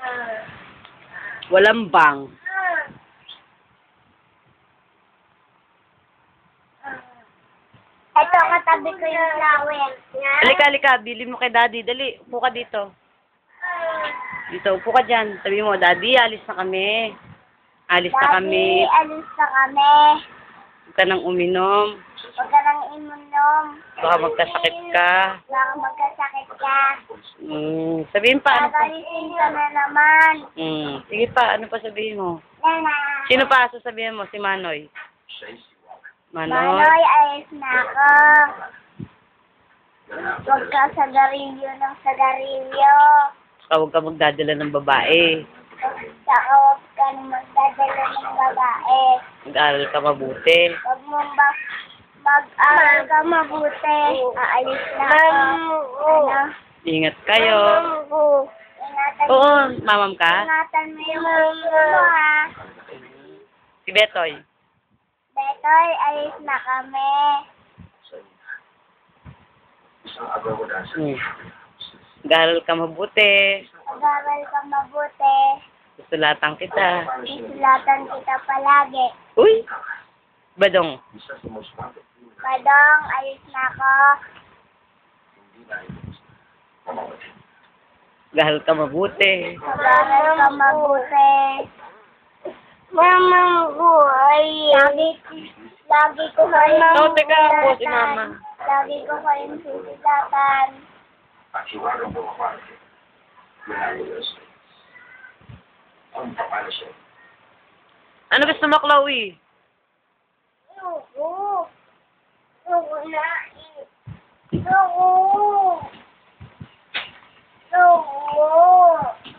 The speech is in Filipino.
Walang bang. Ito, katabi ko yung flower. Halika, halika. Bili mo kay Daddy. Dali, upo ka dito. Dito, upo ka dyan. Sabi mo, Daddy, alis na kami. Alis na kami. Daddy, alis na kami. Huwag ka nang uminom. Huwag ka nang imunom. Baka magkasakit ka. Baka magkasakit ka. Sabihin pa, ano pa? Gagalitin ka na naman. Sige pa, ano pa sabihin mo? Nana. Sino pa sasabihin mo? Si Manoy. Manoy? Manoy, ayos na ako. Huwag ka sagarilyo ng sagarilyo. Saka huwag ka magdadala ng babae. Saka huwag ka magdadala ng babae. Mag-aral ka mabuti. Huwag mong mag-aral ka mabuti. Aalis na ako. Ano? Ingat kayo. Ingatan Oo, mamam ka? Ingatan mo yung ulo mo, ha? Si Betoy. Betoy, ayos na kami. Mag-aral ka mabuti. Mag-aral ka mabuti. Susulatan kita. Isulatan kita palagi. Uy! Badong. Padong, ayos na ako. Mag-aral ka mabuti. Mag-aral ka mabuti. Mama ko ay... Lagi ko kayong Oh, teka, ako si Mama. Lagi ko kayong susulatan. Ano gusto mo, Chloe? Ayoko. Ayoko na. Ayoko. Ayoko.